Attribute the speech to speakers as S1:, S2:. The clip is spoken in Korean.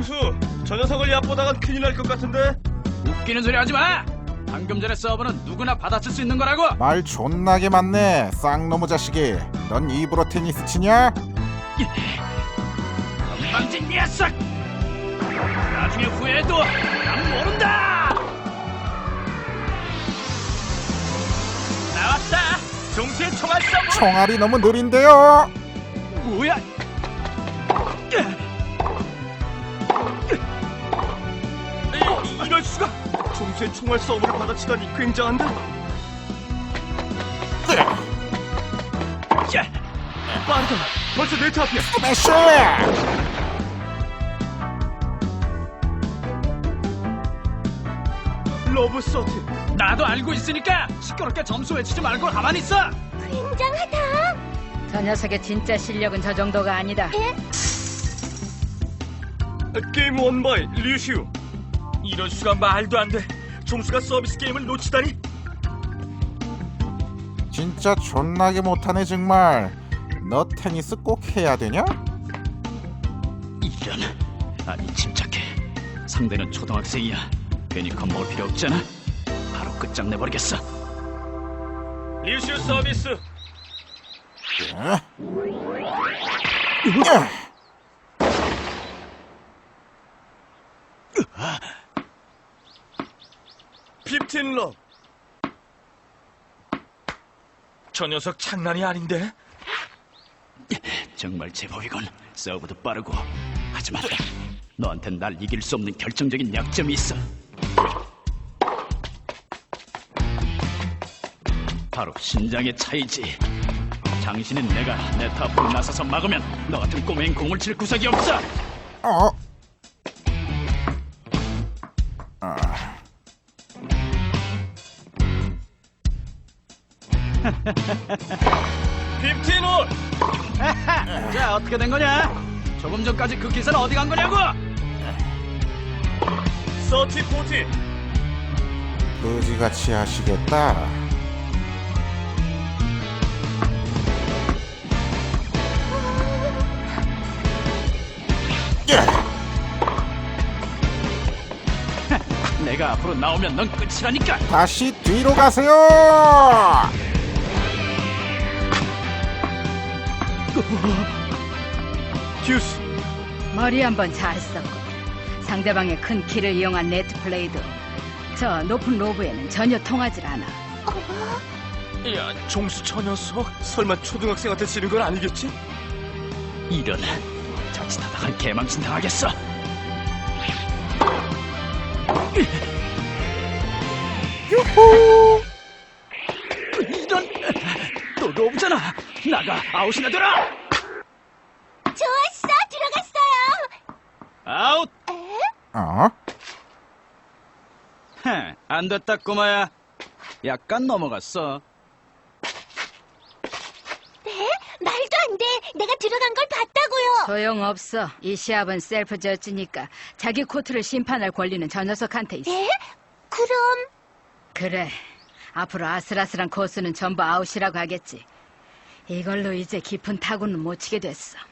S1: 종수, 저 녀석을 얕보다간 큰일 날 것 같은데?
S2: 웃기는 소리 하지 마! 방금 전에 서브는 누구나 받아칠 수 있는 거라고!
S3: 말 존나게 많네 쌍놈의 자식이. 넌 입으로 테니스 치냐?
S2: 건방진 녀석! 나중에 후회해도 난 모른다!
S1: 나왔다! 종수의 총알 서브!
S3: 총알이 너무 느린데요.
S2: 뭐야?
S1: 이럴 수가! 종수의 총알 서브를 받아치다니 굉장한데? 빠르다! 벌써 네트 앞이야!
S3: 스매시!
S1: 러브 서트!
S2: 나도 알고 있으니까 시끄럽게 점수 외치지 말고 가만히 있어!
S4: 굉장하다.
S5: 저 녀석의 진짜 실력은 저 정도가 아니다.
S1: 게임 원바이 류슈. 이럴 수가 말도 안 돼. 종수가 서비스 게임을 놓치다니.
S3: 진짜 존나게 못하네 정말. 너 테니스 꼭 해야 되냐?
S2: 이런... 아니 침착해. 상대는 초등학생이야. 괜히 겁먹을 필요 없잖아. 바로 끝장내버리겠어.
S1: 류슈 서비스. 핍틴 러. 저 녀석 장난이 아닌데?
S2: 정말 제법이건. 서브도 빠르고. 하지만 너한텐 날 이길 수 없는 결정적인 약점이 있어. 바로 신장의 차이지. 장신인 내가 네트 앞으로 나서서 막으면 너 같은 꼬맹이 공을 칠 구석이 없어.
S3: 어?
S1: 핍틴 올.
S2: 자, 어떻게 된 거냐? 조금 전까지 그 기사는 어디 간 거냐고?
S1: 서티 포티.
S3: 의지같이 하시겠다.
S2: 내가 앞으로 나오면 넌 끝이라니까.
S3: 다시 뒤로 가세요.
S1: 듀스.
S5: 머리 한번 잘 썼고 상대방의 큰 키를 이용한 네트 플레이도 저 높은 로브에는 전혀 통하질 않아.
S1: 야, 종수 저 녀석 설마 초등학생한테 지는 건 아니겠지?
S2: 이런, 자칫하다간 개망신 당하겠어. 이런, 또 로브잖아. 나가, 아웃이나 되라.
S4: 좋았어, 들어갔어요.
S2: 아웃.
S3: 어?
S2: 안 됐다 꼬마야. 약간 넘어갔어.
S4: 네? 말도 안 돼. 내가 들어간 걸 봤다고요.
S5: 소용없어. 이 시합은 셀프 저지니까 자기 코트를 심판할 권리는 저 녀석한테 있어.
S4: 네? 그럼
S5: 그래. 앞으로 아슬아슬한 코스는 전부 아웃이라고 하겠지. 이걸로 이제 깊은 타구는 못 치게 됐어.